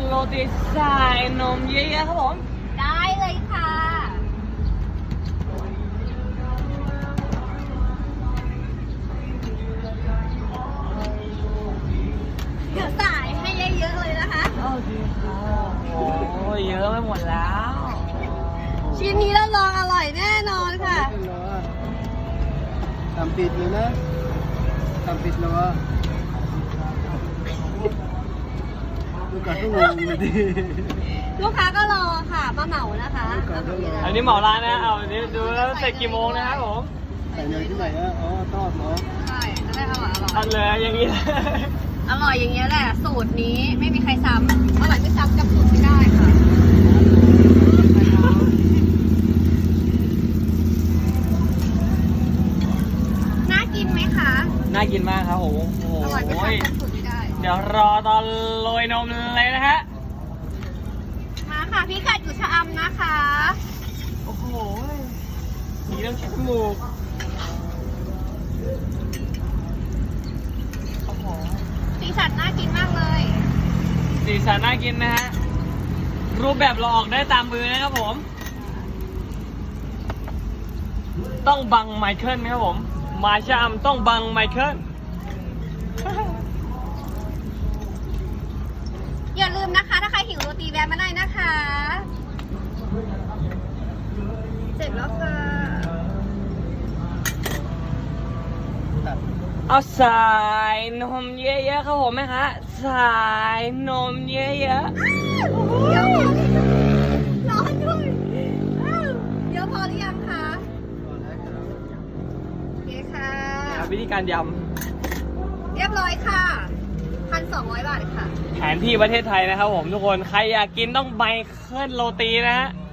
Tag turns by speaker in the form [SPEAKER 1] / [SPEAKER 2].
[SPEAKER 1] โรตีใส่นมเยอะๆครับผม
[SPEAKER 2] ได้เลยค่ะ เดี๋ยวสายให้เยอะๆเลยนะคะ
[SPEAKER 1] โอเคครับโอ้ยเยอะไม่หมดแล้ว
[SPEAKER 2] ชิ้นนี้รับรองอร่อยแน่นอนค่ะ
[SPEAKER 3] ทำปิดเลยนะทำปิดแล้วว่าลูกค้าก็งงเลยดิ
[SPEAKER 2] ลูกค้าก็รอค่ะมาเหมานะคะ
[SPEAKER 1] อันนี้เหมาร้านนะเอาอันนี้ดูแล้วเสร็จกี่โมงนะครับผม
[SPEAKER 3] ใส่เนยที่ไหนอ่ะอ๋อทอดเหรอ
[SPEAKER 2] ใช่จะได้อร่อย
[SPEAKER 1] ทันเลยอย่างนี้เลย
[SPEAKER 2] อร่อยอย่างเงี้ยแหละสูตรนี้ไม่มีใครซ้ำอร่อยไม่ซ้ำกับสูตรไม่ได้ค่ะ น่ากินไหมคะ
[SPEAKER 1] น่ากินมากครับผมโอ้โห
[SPEAKER 2] อร่อยไม่ซ้ำกับสูตรไม่ได้
[SPEAKER 1] เดี๋ยวรอตอนโรยนมเลยนะฮะ
[SPEAKER 2] มาค่ะพี่กัดอยู่ชะอำนะคะ
[SPEAKER 1] โอ้โหมีน้ำเช็ดจมูกโอ้โห
[SPEAKER 2] สีสันน่ากินมากเลย
[SPEAKER 1] สีสันน่ากินนะฮะ รูปแบบเราออกได้ตามมือนะครับผม ต้องบังไมเคิลนะครับผม มาชามต้องบังไมเคิล
[SPEAKER 2] อย่าลืมนะคะ ถ้าใครหิวโรตีแวะมาได้นะคะ เสร็จแล้วค่ะ
[SPEAKER 1] เอาสายนมเยอะๆครับผมไหมคะสายนมเยอะ
[SPEAKER 2] เดี๋ยวร้อนด้วยอ้าวเดี๋ยวพอหรือยังคะโอเคค่ะ
[SPEAKER 1] ๆวิธีการย
[SPEAKER 2] เรียบร้อยค่ะ 1,200 บาทค่ะ
[SPEAKER 1] ำแผนที่ประเทศไทยนะครับผมทุกคน ใครอยากกินต้องไมเคิลโรตีนะฮะ